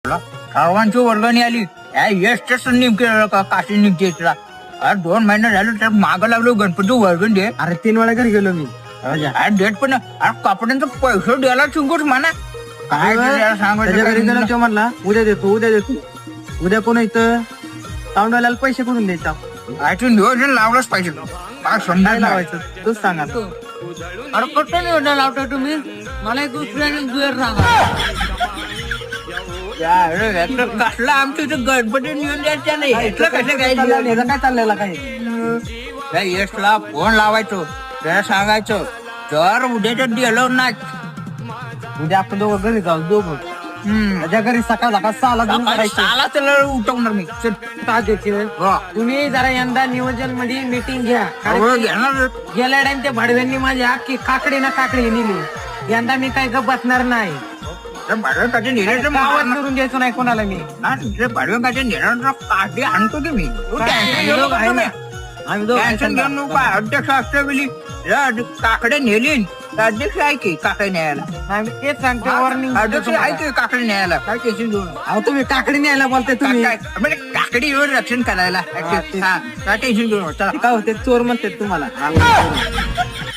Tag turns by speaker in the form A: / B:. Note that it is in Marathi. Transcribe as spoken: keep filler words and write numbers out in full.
A: सर्वांची वर्गणी आली यशच नेमके काशी निघते तुला अरे दोन महिने झाले तर मागं लागलो गणपती वर्गण दे.
B: अरे तीन वेळा घरी गेलो मी.
A: डेट पण अरे कपड्यांचा पैसे द्यायला चिंकूच म्हणा काय
B: त्याच्या घरी गेलो तो म्हणला उद्या देतो उद्या देतो. उद्या कोण इथं तांडवाल्याला पैसे करून द्यायचा.
A: नियोजन लावलंच पाहिजे काय समजा
B: काय लावायचं तूच सांगा.
A: अरे कसं नियोजन लावता तुम्ही मला एक दुसऱ्याने दुहेर सांगा कसला आमच्या इथे गणपती नियोजन द्यायचा नाही कसं काय
B: काय चाललेला काय
A: यशला फोन लावायचो त्याला सांगायचं तर उद्याच्या गेलो ना
B: उद्या आपण दोघं घरी जाऊ दोघं. त्याच्या घरी सकाळ सकाळ सहाला जाऊन करायचं.
A: साला त्याला उठवणार मी
B: का देतील तुम्ही जरा यंदा नियोजन मध्ये मीटिंग घ्या.
A: घेणार
B: गेल्या टाइम त्या भाडव्यांनी माझी अख्खी काकडी ना काकडी नेली. यंदा मी काही गप बसणार नाही.
A: भाडव्याचे नेण्याचं
B: गावात करून द्यायचो नाही कोणाला मी.
A: भाडव्याचे नेण्याचा काठी आणतो की मी
B: आम्ही दोघं
A: टेन्शन घेऊन नको अध्यक्ष असल्या वेळी काकडे नेलीन अध्यक्ष आहे की काकडे न्यायला
B: आम्ही तेच सांगतो वॉर्निंग.
A: अध्यक्ष आहे की काकडे न्यायला काय टेन्शन घेऊन
B: अहो तुम्ही काकडी न्यायला बोलताय तुम्ही.
A: म्हणजे काकडीवर रक्षण करायला काय टेन्शन घेऊन
B: काय होते चोर म्हणतात तुम्हाला.